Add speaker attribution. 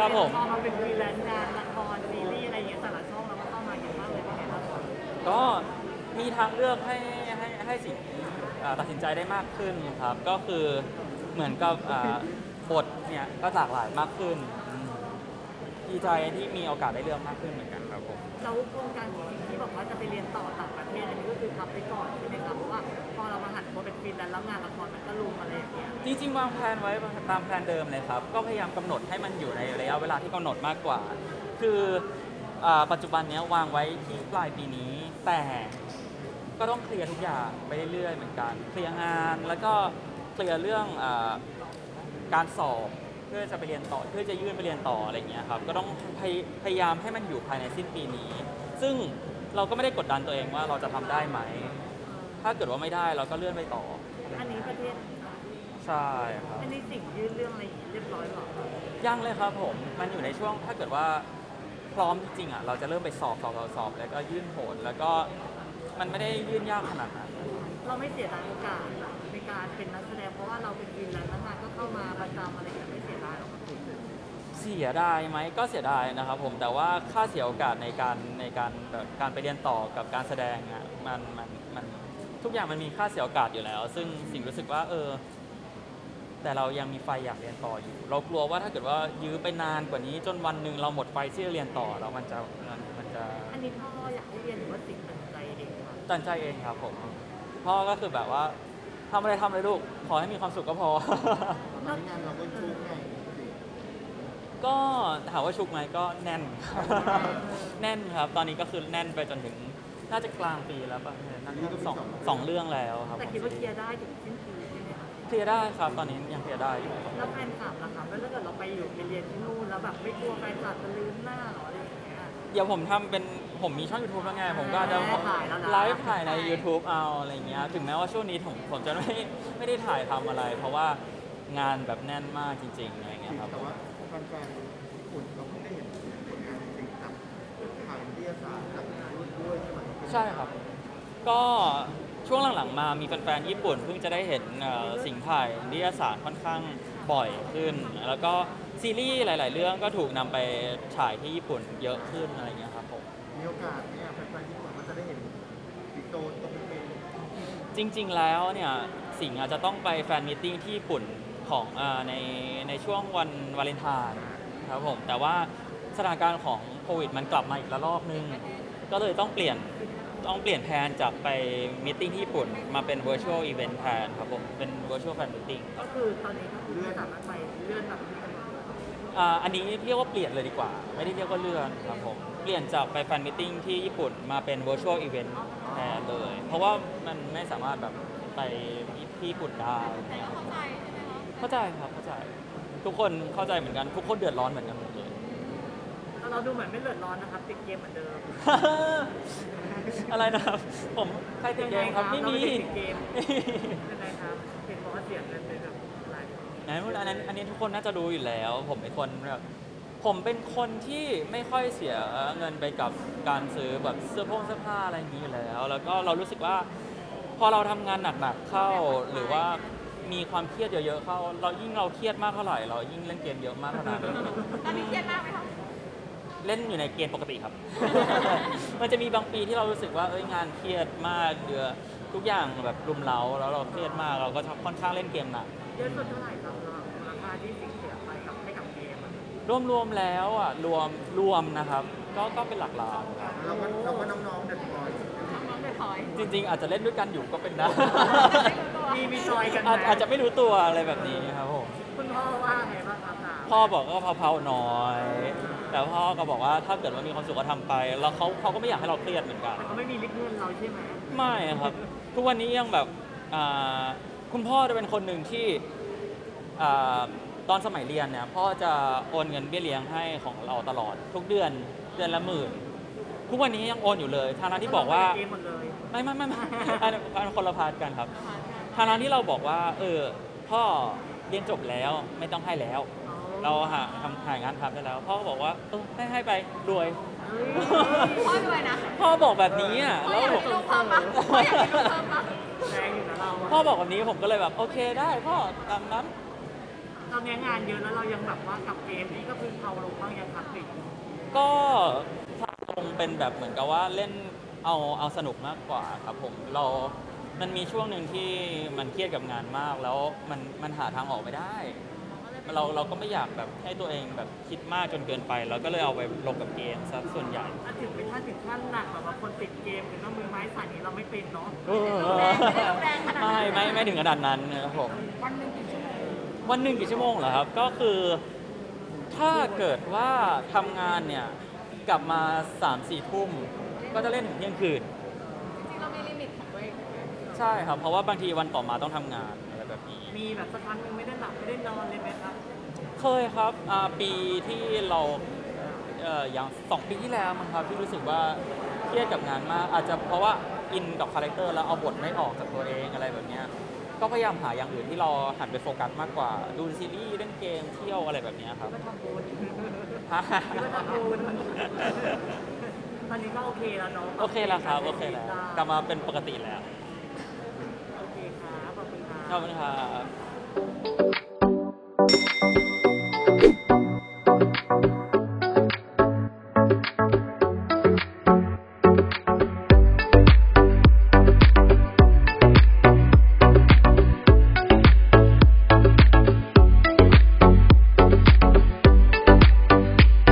Speaker 1: ครับผม
Speaker 2: พอมาเป็นฟรีแลนซ์งานละครซีรีส์อะไรอย่างเงี้ยแต่ละช่องเราก็เข้ามาเยอะมากเลยเป็นไงบ้างคะ
Speaker 1: ก็มีทางเลือกให้สิงตัดสินใจได้มากขึ้นครับก็คือเหมือนกับบทเนี่ยก็หลากหลายมากขึ้นดีใจที่มีโอกาสได้เลือกมากขึ้นเหมือนกันครับผม
Speaker 2: แล้วโครงการของที่บอกว่าจะไปเรียนต่อต่างประเทศอันนี้ก็คือทำไปก่อนใช่ไหมครับเพราะว่าพอเรามาหันมาเป็นฟรีแลนซ์แล้วงานละครมันก็ลุมอะไรอย่างเงี้ย
Speaker 1: จริงๆวางแผนไว้ตามแผนเดิมเลยครับก็พยายามกำหนดให้มันอยู่ในระยะเวลาที่กำหนดมากกว่าคือปัจจุบันเนี้ยวางไว้ที่ปลายปีนี้แต่ก็ต้องเคลียร์ทุกอย่างไปเรื่อยๆเหมือนกันเคลียร์งานแล้วก็เคลียร์เรื่องการสอบเพื่อจะไปเรียนต่อเพื่อจะยื่นไปเรียนต่ออะไรอย่างเงี้ยครับก็ต้องพยายามให้มันอยู่ภายในสิ้นปีนี้ซึ่งเราก็ไม่ได้กดดันตัวเองว่าเราจะทำได้ไหมถ้าเกิดว่าไม่ได้เราก็เลื่อนไปต่อ
Speaker 2: อันนี้ประเทศ
Speaker 1: ใช่ครับ
Speaker 2: อันนี้สิ่งยื่นเรื่องอะไรอย่างงี้เรียบร้อยหรอ
Speaker 1: ยังเลยครับผมมันอยู่ในช่วงถ้าเกิดว่าพร้อมจริงๆอ่ะเราจะเริ่มไปสอบแล้วก็ยื่นโหนแล้วก็มันไม่ได้ยื่นยากขนาดนั้น
Speaker 2: เราไม่เสียดายโอกาสในการเป็นนักแสดงเพราะว่าเราเป็นฟรีแลนซ์แล้วงานก็เข้ามาประจำอะไรอย่างเงี้ยไม่เสียดายหรอกครับคุณ
Speaker 1: เสียดายไหมก็เสียดายนะครับผมแต่ว่าค่าเสียโอกาสในการแบบการไปเรียนต่อกับการแสดงอ่ะมันทุกอย่างมันมีค่าเสียโอกาสอยู่แล้วซึ่งสิ่งรู้สึกว่าแต่เรายังมีไฟอยากเรียนต่ออยู่ เรากลัวว่าถ้าเกิดว่ายื้อไปนานกว่านี้จนวันหนึ่งเราหมดไฟที่จะเรียนต่อแล้วมันจะ
Speaker 2: อันนี้พ่ออยากให้เรียนหรือว่าสิ่งตัดใจเองครับ
Speaker 1: ตัดใจเองครับผมพ่อก็คือแบบว่าทำอะไรลูกขอให้มีความสุขก็พอ
Speaker 3: ตอนนี้งานเราก็ชุ่มไงสิ
Speaker 1: ก็ถามว่าชุกไหมก็แน่น แน่นครับตอนนี้ก็คือแน่นไปจนถึงน่าจะกลางปีแล้วป่ะน่าจะสองเรื่องแล้วครับ
Speaker 2: แต่คิดว่าเคลียร์ได้ถึงสิ้นปีใช่ไหมคะ
Speaker 1: เคลียร์ได้ครับตอนนี้ยังเคลียร์ได้อยู่
Speaker 2: แล้วแฟนคลับล่ะครับแล้วถ้าเกิดเราไปอยู่ไปเรียนที่นู่นแล้วแบบไม่กลัวแฟนคลับจะลืมหน้าหรออะไรอย่างเงี้ย
Speaker 1: เดี๋ยวผมทำเป็นผมมีช่อง YouTube แล้วไงผมก็จะไลฟ์ถ่ายใน YouTube เอาอะไรเงี้ยถึงแม้ว่าช่วงนี้ผมจะไม่ได้ถ่ายทำอะไร เพราะว่างานแบบแน่นมากจริงๆอะไรเงี้ยครับ
Speaker 3: แต่ว่าแฟนๆญี่ปุ่นเราเพิ่งได้เห็นผลงานจริงๆจากทางวิทยาศาสตร์จากรุ่นด้วยใช่ไหม
Speaker 1: ใช่ครับก็ช่วงหลังๆมามีแฟนๆญี่ปุ่นเพิ่งจะได้เห็นสิ่งถ่ายนิตยสารค่อนข้างบ่อยขึ้นแล้วก็ซีรีส์หลายๆเรื่องก็ถูกนำไปฉายที่ญี่ปุ่นเยอะขึ้นอะไรเงี้ยครับผม
Speaker 3: มีโอกาสเนี่ยแฟนๆญี่ปุ่นมันจะได้เห็นปิโตตรงเป็น
Speaker 1: จริงๆ แล้วเนี่ยสิงห์อาจจะต้องไปแฟนมีตติ้งที่ญี่ปุ่นของในช่วงวันวาเลนไทน์ครับผมแต่ว่าสถานการณ์ของโควิดมันกลับมาอีกระลอกนึงก็เลยต้องเปลี่ยนแผนจากไปมีตติ้งที่ญี่ปุ่นมาเป็น virtual event แทนครับผมเป็น virtual fan meeting
Speaker 2: ก็คือตอนนี้ก็คือเลื่อนสามารถไปเลื่อนแบบนี้กันหมด
Speaker 1: อันนี้เรียกว่าเปลี่ยนเลยดีกว่าไม่ได้เรียกว่าเลื่อนครับผมเปลี่ยนจากไปแฟนมีตติ้งที่ญี่ปุ่นมาเป็น virtual event แทนเลยเพราะว่ามันไม่สามารถแบบไปที่ญี่ปุ่นได้
Speaker 4: แต่ก็เข้าใจใช่ไหมคะ
Speaker 1: เข้าใจครับเข้าใจทุกคนเข้าใจเหมือนกันทุกคนเดือดร้อนเหมือนกันหมดเลย
Speaker 2: แล้วเราดูเหมือนไม่เดือดร้อนนะครับติดเกมเหมือนเดิม
Speaker 1: อะไรนะครับผมใครติดเกมครับไม่มี
Speaker 2: ติดเกมยังไงครับเป็นเพราะว่าเสียเงินไปแบบหลาย
Speaker 1: อันนี้ทุกคนน่าจะรู้อยู่แล้วผมเป็นคนแบบผมเป็นคนที่ไม่ค่อยเสียเงินไปกับการซื้อแบบเสื้อผ้าอะไรอย่างนี้อยู่แล้วแล้วก็เรารู้สึกว่าพอเราทำงานหนักๆเข้าหรือว่ามีความเครียดเยอะๆเข้าเราเครียดมากเท่าไหร่เรายิ่งเล่นเกมเยอะมากเท่านั้น
Speaker 4: ตอนนี้เครียดมากไหมคะ
Speaker 1: เล่นอยู่ในเกณฑ์ปกติครับ มันจะมีบางปีที่เรารู้สึกว่างานเครียดมากทุกอย่างแบบรุมเร้าแล้วเราเครียดมากเราก็ค่อนข้างเล่นเกมหนัก
Speaker 2: เยอะสุดเท่าไหร่ครับราคาที่สิ่งเสียไปกับให้กับเกมอะ
Speaker 1: รวมแล้วอ่ะรวมนะครับก็เป็นหลักล้านครับ
Speaker 3: เราก็น้องๆเด็ดบอย
Speaker 4: น้องเดือดถอย
Speaker 1: จริงๆอาจจะเล่นด้วยกันอยู่ก็เป็นได้
Speaker 2: มีซอยกันไหม
Speaker 1: อาจจะไม่รู้ตัวอะไรแบบนี้ครับผม
Speaker 2: คุณพ่อว่าไงบ้างครับ
Speaker 1: พ่อบอกก็เผาๆน้อย แต่พ่อก็บอกว่าถ้าเกิดว่ามีความสุขก็ทำไปแล้วเขาก็ไม่อยากให้เราเครียดเหมือนกัน
Speaker 2: แต่เขาไม่มีลิกเงินเราใช่ไหม
Speaker 1: ไม่ครับ ทุกวันนี้ยังแบบคุณพ่อจะเป็นคนหนึ่งที่อ่าตอนสมัยเรียนเนี่ยพ่อจะโอนเงินเบี้ยเลี้ยงให้ของเราตลอดทุกเดือนละหมื่นทุกวันนี้ยังโอนอยู่เลยทางนั้นที่บอกว่า
Speaker 2: เกมหมดเลย
Speaker 1: ไม่อันคนละพาร์ทกันครับทางนั้นที่เราบอกว่าพ่อเรียนจบแล้วไม่ต้องให้แล้ว เราหางานทำได้แล้วพ่อก็บอกว่าให้ไปรวย
Speaker 4: พ่อด้วยนะ
Speaker 1: พ่อบอกแบบนี้อ่ะ
Speaker 4: พ่อ
Speaker 1: แล้ว
Speaker 4: อยาก
Speaker 1: ผ
Speaker 4: มี
Speaker 1: ม
Speaker 4: ลูกเพิ่มปะพ่ออยากมีลูกเพิ่มปะ
Speaker 2: แรงอยู่นะเรา
Speaker 1: พ่อบอกแบบนี้ผมก็เลยแบบโอเคได้พ่อตามนั้น
Speaker 2: ตอนนี้งานเยอะแล้วเรายังแบบว่ากับเกมนี่ก็คือเขาลงบ้างยังครับติด
Speaker 1: ก็คงเป็นแบบเหมือนกับว่าเล่นเอาสนุกมากกว่าครับผมมันมีช่วงหนึ่งที่มันเครียดกับงานมาก แล้วมันหาทางออกไม่ได้ เราก็ไม่อยากแบบให้ตัวเองแบบคิดมากจนเกินไป แล้วก็เลยเอาไปลงกับเกมซะส่วนใหญ่
Speaker 2: ถ้าถึงเป็นถ้าถึงขั้นหนักแบบว่าคนติดเกมถึงต้องมือไม้สั่นนี้เราไม่เป็นเนาะ
Speaker 1: ไม่ถึงขนาดนั้นนะครับผม
Speaker 2: วันหนึ่งกี่ชั่วโมง
Speaker 1: วันหนึ่งกี่ชั่วโมงเหรอครับ ก็คือถ้าเกิดว่าทำงานเนี่ยกลับมา 3-4 ทุ่มก็จะเล่นถึงเที่ยงคืน
Speaker 4: จริงๆเรามีลิมิตของตัวเอง
Speaker 1: ใช่ครับ เพราะว่าบางทีวันต่อมาต้องทำงานอะไรแบบนี้
Speaker 2: มีแบบสักครั้งหนึ่งไม่ได้หลับไม่ได้นอนเลยไหมครับ
Speaker 1: เคยครับปีที่เราอย่าง2 ปีที่แล้วมั้งครับที่รู้สึกว่าเครียดกับงานมาก อาจจะเพราะว่าอินกับคาแรคเตอร์แล้วเอาบทไม่ออกจากตัวเองอะไรแบบเนี้ยก็พยายามหาอย่างอื่นที่เราหันไปโฟกัสมากกว่า ดูซีรีส์เล่นเกมเที่ยวอะไรแบบเนี้ยครับ
Speaker 2: ก็ทำบุญ
Speaker 1: ฮะ
Speaker 2: ก็ทำบุญตอนนี้ก็โอเคแล้วเนาะ
Speaker 1: โอเคแล้วครับ โอเคแล้ว กลับมาเป็นปกติแล้ว
Speaker 2: โอเคครับขอบคุณครับ
Speaker 1: ขอบคุณครับ